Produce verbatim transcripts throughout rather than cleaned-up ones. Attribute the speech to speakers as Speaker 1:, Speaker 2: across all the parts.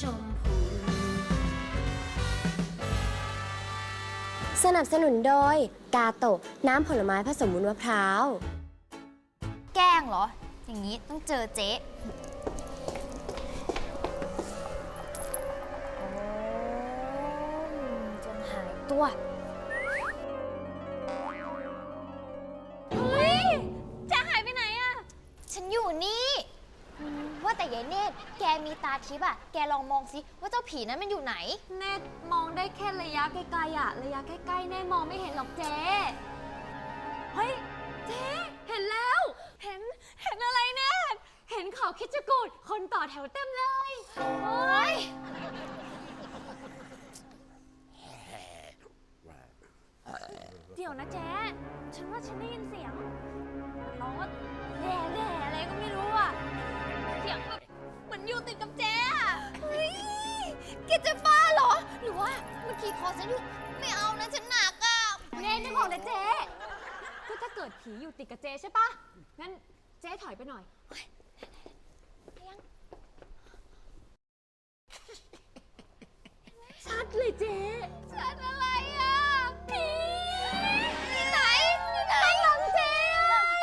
Speaker 1: ชมพู
Speaker 2: สนับสนุนโดยกาโตะน้ำผลไม้ผสมวุ้นมะพร้าว
Speaker 3: แกล้งเหรอ อย่างนี้ต้องเจอเจ๊โอ้จนหายตัวเฮ้ยเจ๊หายไปไหนอะฉันอยู่นี่อืมว่าแต่ยายเนตรแกมีตาทิพย์อะแกลองมองสิว่าเจ้าผีนั้นมันอยู่ไหนเนตรมองได้แค่ระยะไกลๆอะระยะใกล้ๆเนตรมองไม่เห็นหรอกเจ๊เฮ้ยเจ๊เห็นแล้วเห็นเห็นอะไรเนตรเห็นเขาคิดจะกูดคนต่อแถวเต็มเลยโอ้ยเดี๋ยวนะเจ๊ฉันว่าฉันได้ยินเสียงมันร้องว่าแหล่แหล่อะไรก็ไม่รู้อะเสียงแบบเหมือนอยู่ติดกับเจ๊อะเฮ้ยแกจะบ้าเหรอหรือว่าเมื่อกี้คอฉันอยู่ไม่เอานะฉันหนักอะเน่นึกออกเลยเจ๊ก็ถ้าเกิดผีอยู่ติดกับเจ๊ใช่ปะงั้นเจ๊ถอยไปหน่อยชัดเลยเจ๊ชัดอะไรอ่ะผีที่ไหนที่ไหนหลังเจ๊อ่ะ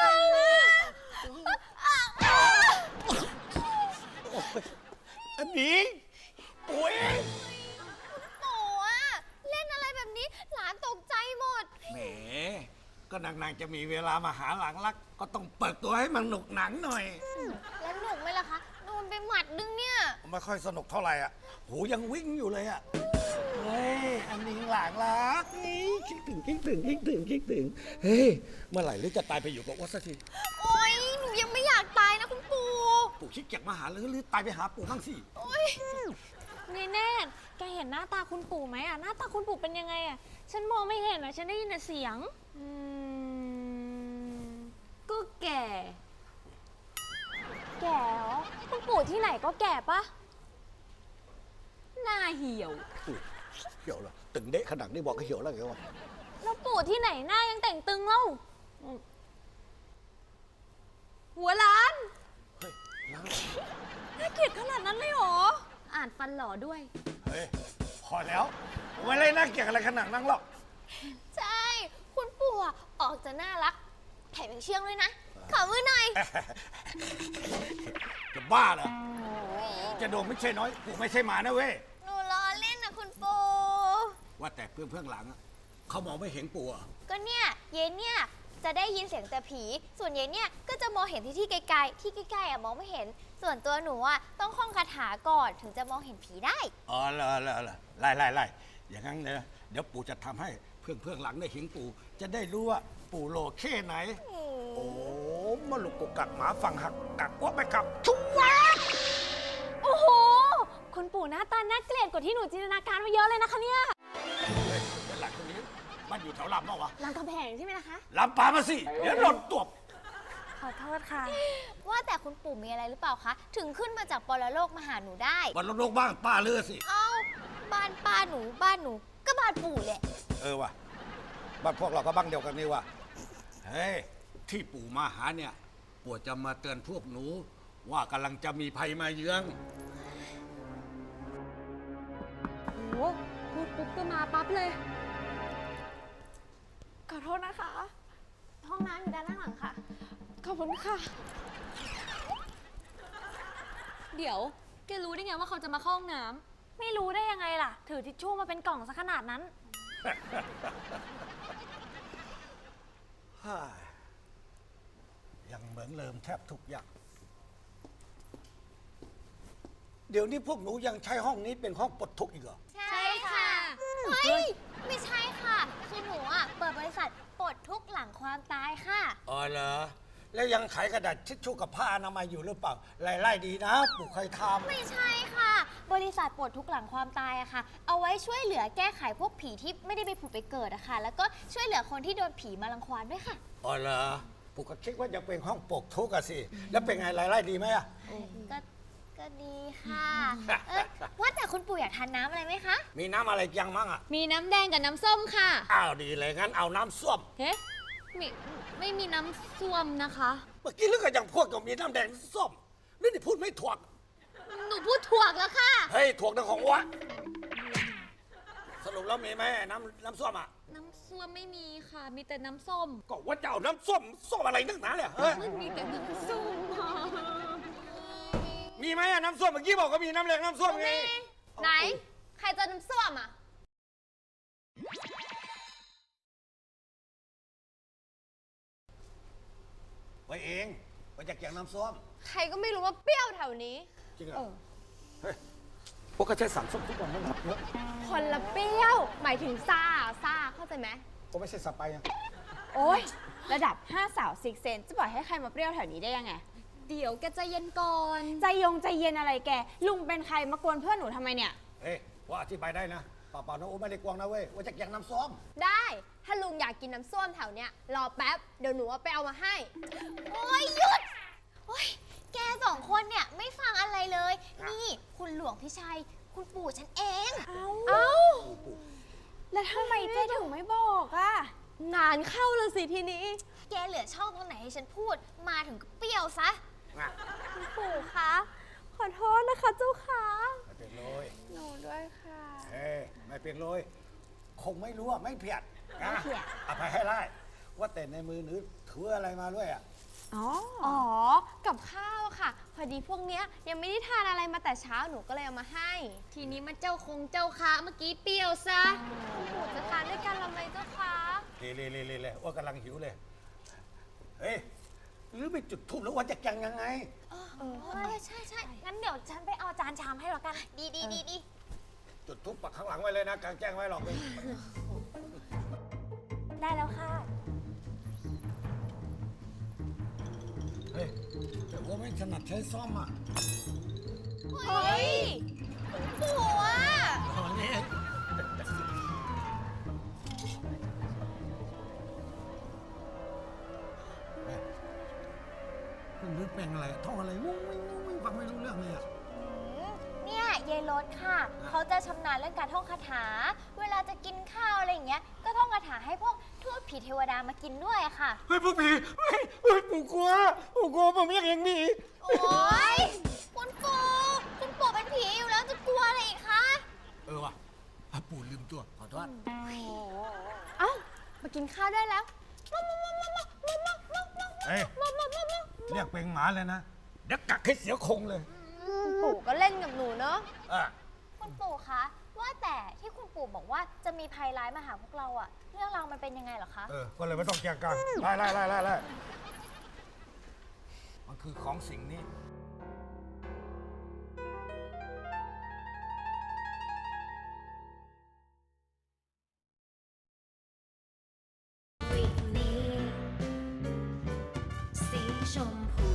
Speaker 4: อันนี้ปุ๋ย
Speaker 3: ปู่อ่ะเล่นอะไรแบบนี้หลานตกใจหมด
Speaker 4: แหมก็นางๆจะมีเวลามาหาหลังรักก็ต้องเปิดตัวให้มันหนุกหนังหน่อย
Speaker 3: แล้วหนุกไหมล่ะคะโดนไปหมัดนึงเนี่ย
Speaker 4: ไม่ค่อยสนุกเท่าไหร่อ่ะหูยังวิ่งอยู่เลยอ่ะเฮ้ยอันนี้หลังรักนี่คิดถึงคิดถึงคิดถึงคิดถึงเฮ้ยเมื่อไหร่หรือจะตายไปอยู่กับวัดสักที
Speaker 3: โอ๊ยหนูยังไม่อยากตายนะคุณปู่
Speaker 4: ปู่คิดอยากมาหาหรือหรือตายไปหาปู่บ้างสิ
Speaker 3: โอ๊ยเนเน่แกเห็นหน้าตาคุณปู่ไหมอ่ะหน้าตาคุณปู่เป็นยังไงอ่ะฉันมองไม่เห็นอ่ะฉันได้ยินแต่เสียงอืมก็แก่แก่เหรอคุณปู่ที่ไหนก็แก่ปะหน้าเหี่ยว
Speaker 4: เหี่ยวเหรอตึงเดะขนาดนี้บอกก็เหี่ยวแล้วไงวะ
Speaker 3: แล้วปู่ที่ไหนหน้ายังแต่งตึงเล่าหัวล้าน
Speaker 4: เฮ้ย
Speaker 3: น่าเกลียดขนาดนั้นเลยเหรออ่านฟันหล่อด้วย
Speaker 4: เฮ้ยพอแล้วไม่เลยน่าเกลียดอะไรขนาดนั้นหรอก
Speaker 3: ใช่คุณปู่ออกจะน่ารักแถมยังเชื่องด้วยนะขอมือหน่อย
Speaker 4: จะบ้าเหรอจะโดนไม่ใช่น้อยปู่ไม่ใช่หมานะเว้ย
Speaker 3: หนูล้อเล่นนะคุณปู่
Speaker 4: ว่าแต่เพื่อนเพื่อนหลังเขามองไม่เห็นปู่อ่ะ
Speaker 3: ก็เนี่ยเย็นเนี่ยจะได้ยินเสียงแต่ผีส่วนเย็นเนี่ยก็จะมองเห็นที่ที่ไกลๆที่ใกล้ๆอ่ะมองไม่เห็นส่วนตัวหนูอ่ะต้องท่องคาถาก่อนถึงจะมองเห็นผีได้
Speaker 4: อ๋อเหรอเหรอเหรอไล่ไล่ไล่อย่างนั้นเนี่ยเดี๋ยวปู่จะทำให้เพื่อนเพื่อนหลังได้เห็นปู่จะได้รู้ว่าปู่โลแค่ไหนโอ้มาลุกกกักหมาฝั่งหักกักว่าไปกับชุบวะ
Speaker 3: โอ้โหคุณปู่หน้าตาน่าเกลียดกว่าที่หนูจินตนาการมาเยอะเลยนะคะเนี่ย
Speaker 4: เฮ้ยเป็นหลักคนนี้บ้านอยู่แถวลำเปล่าวะ
Speaker 3: ลำกำแพงใช่ไหมนะคะ
Speaker 4: ลำปามาสิเดี๋ยวหล่นตบ
Speaker 3: ขอโทษค่ะว่าแต่คุณปู่มีอะไรหรือเปล่าคะถึงขึ้นมาจากปรโลกมาหาหนูได้
Speaker 4: ปรโลกบ้านป้าเลือสิ
Speaker 3: เอ้าบ้านป้าหนูบ้านหนูก็บ้านปู่แหละ
Speaker 4: เออว่ะบ้านพวกเราก็บ้านเดียวกันนี่ว่ะเฮ้ยที่ปู่มาหาเนี่ยปู่จะมาเตือนพวกหนูว่ากำลังจะมีภัยมาเยือน
Speaker 3: โอ้พูดปุ๊บก็มาปั๊บเลยขอโทษนะคะห้องน้ำอยู่ด้านหลังค่ะขอบคุณค่ะเดี๋ยวแกรู้ได้ไงว่าเขาจะมาเข้าห้องน้ำไม่รู้ได้ยังไงล่ะถือทิชชู่มาเป็นกล่องซะขนาดนั้น
Speaker 4: ยังเหมือนเดิมแทบทุกอย่างเดี๋ยวนี้พวกหนูยังใช้ห้องนี้เป็นห้องปลดทุกข์อีกเหรอ
Speaker 3: ใช่ค่ะเฮ้ยไม่ใช่ค่ะคือหนูอ่ะเปิดบริษัทปลดทุกข์หลังความตายค่ะ
Speaker 4: อ๋อเหรอแล้วยังขายกระดาษทิชชู่กับผ้าอนามัยอยู่หรือเปล่าไล่ๆดีนะปู่เคยทำ
Speaker 3: ไม่ใช่ค่ะบริษัทปลดทุกข์หลังความตายอะค่ะเอาไว้ช่วยเหลือแก้ไขพวกผีที่ไม่ได้ไปผุดไปเกิดอะค่ะแล้วก็ช่วยเหลือคนที่โดนผีมารังควานด้วยค่ะ
Speaker 4: อ๋อเหรอปู่ก็คิดว่าจะเป็นห้องปลดทุกข์อะสิแล้วเป็นไงไล่ๆดีไหมอะ
Speaker 3: ก็ก็ดีค่ะเออว่าแต่คุณปู่อยากทานน้ำอะไรไหมคะ
Speaker 4: มีน้ำอะไรยังมั่งอะ
Speaker 3: มีน้ำแดงกับน้ำส้มค่ะ
Speaker 4: อ้าวดีเลยงั้นเอาน้ำส้ม
Speaker 3: เฮ้ไม่ไม่มีน้ำส้มนะคะ
Speaker 4: เมื่อกี้เรื่องก็ยังพูดกับมีน้ำแดงส้มนี่นี่พูดไม่ถูก
Speaker 3: หนูพูดถ่วงแล้วค่ะ
Speaker 4: เฮ้ยถ่วงทั้งของวะสรุปแล้วมีไหมน้ำน้ำส้มอ่ะ
Speaker 3: น้ำส้วมไม่มีค่ะ มีแต่น้ำส้ม
Speaker 4: ก็ว่าจะเอาน้ำส้มส้มอะไรนักหนาเนี่ยเฮ้ย
Speaker 3: มันมีแต่น้ำส้มค่ะ
Speaker 4: มีไหมอะน้ำส้มเมื่อกี้บอกก็มีน้ำแรงน้ำส้มไง
Speaker 3: ไหน ใครเจะน้ำส้วมอ่ะ
Speaker 4: ไว้เองไว้จากแกงน้ำส้ม
Speaker 2: ใครก็ไม่รู้ว่าเปรี้ยวแถวนี้
Speaker 4: จริงเหรอเฮ้ยพวกก็ใช้สั่งส้มทุกวันนั่นแหละเนอะ
Speaker 2: คนละเปรี้ยว หมายถึงซ่าซ่าเข้าใจไหม
Speaker 4: ก็ไม่ใช่สับไปอะ
Speaker 1: โอ้ยระดับห้าสาวซิกเซนจะปล่อยให้ใครมาเปรี้ยวแถวนี้ได้ยังไง
Speaker 3: เดี๋ยวแกใจเย็นก่อน
Speaker 1: ใจยงใจเย็นอะไรแก ลุงเป็นใครมากวนเพื่อนหนูทำไมเนี่ย
Speaker 4: เฮ้ยว่าอธิบายได้นะเปล่าๆน้องโอ้ไม่ได้กวางนะเว้ยว่าจากแกงน้ำส้ม
Speaker 2: ได้ ถ้าลุงอยากกินน้ำส้วมแถวเนี้ย รอแป๊บ เดี๋ยวหนูเอาไปเอามาให้
Speaker 3: โอ้ยหยุด โอ้ยแกสองคนเนี่ยไม่ฟังอะไรเลย นี่คุณหลวงพี่ชัย คุณปู่ฉันเอง
Speaker 1: เอ้า
Speaker 2: เอ้า
Speaker 1: แล้วทำไมเจ๊ถึงไม่บอกอะ
Speaker 2: งานเข้าแล้วสิทีนี้
Speaker 3: แกเหลือช่องตรงไหนให้ฉันพูด มาถึงก็เปรี้ยวซะ
Speaker 4: อ่ะ
Speaker 2: ปู่คะ ขอโทษนะคะเจ้าคะ
Speaker 4: ไม่เป็นเลย
Speaker 1: หนูด้วยค่ะ
Speaker 4: เฮ้ยไม่เป็นเลยคงไม่รู้อ่ะไม่เพียดนะอภัยให้ไล่ว่าแต่ในมือหนูถืออะไรมาด้วยอ่ะ
Speaker 1: อ๋อ
Speaker 2: อ๋อ กับข้าวค่ะ พอดีพวกเนี้ยยังไม่ได้ทานอะไรมาแต่เช้าหนูก็เลยเอามาให้
Speaker 3: ทีนี้มันเจ้าคงเจ้าค้าเมื่อกี้เปรี้ยวซะ
Speaker 2: ปู่จะทานด้วยกันหรือไม่เจ้าคะ
Speaker 4: เล่เล่เล่เล่เล่ว่ากำลังหิวเลย เฮ้ย หรือไปจุดทูบแล้วว่าจะยังยังไง
Speaker 3: เออเออใช่ใช่งั้นเดี๋ยวฉันไปเอาจานชามให้แล้วกัน ดีดีดีดี
Speaker 4: จุดทูบปักข้างหลังไว้เลยนะกลางแจ้งไว้หรอกเลย
Speaker 3: ได้แล้วค่ะ
Speaker 4: เฮ้ยแต่ว่าไม่ถนัดใช้ซ่อมอ่ะ
Speaker 3: เฮ้ยปู่อ่ะ
Speaker 4: ตอนนี้คุณนึกเป็นอะไรท่องอะไรวุ้งวิ่งวุ้งวิ่งฟังไม่รู้เรื่องเลยอ่ะ
Speaker 3: เนี่ยยายรถค่ะ เขาจะชำนาญเรื่องการท่องคาถา เวลาจะกินข้าวอะไรอย่างเงี้ย ก็ท่องคาถาให้พวกทูตผีเทวดามากินด้วยอะค่ะ
Speaker 4: เฮ้ยพวกผีเฮ้ยเฮ้ยปู่กลัวปู่กลัวผมอยากเห็นผี
Speaker 3: โอ๊ย คุณปู่คุณปู่เป็นผีอยู่แล้วจะกลัวอะไรอีกคะ
Speaker 4: เออว่ะอ่ะปู่ลืมตัวขอโทษ
Speaker 2: เอ้า มากินข้าวได้แล้ว
Speaker 4: เฮ้ยเรียกเป็นหมาเลยนะเดี๋ยวกักให้เสียคงเลย
Speaker 2: ปู่ก็เล่นกับหนูเนาะ
Speaker 4: อ่ะ
Speaker 3: คุณปู่คะ ว่าแต่ที่คุณปู่บอกว่าจะมีภัยร้ายมาหาพวกเราอะเรื่องราวมันเป็นยังไงเหรอคะ
Speaker 4: เออ ก็เลยไม่ต้องแจ้งกันไล่ไล่ไล่ไล่ไล่มันคือของสิ่งนี้
Speaker 5: วิกนี้สีชมพู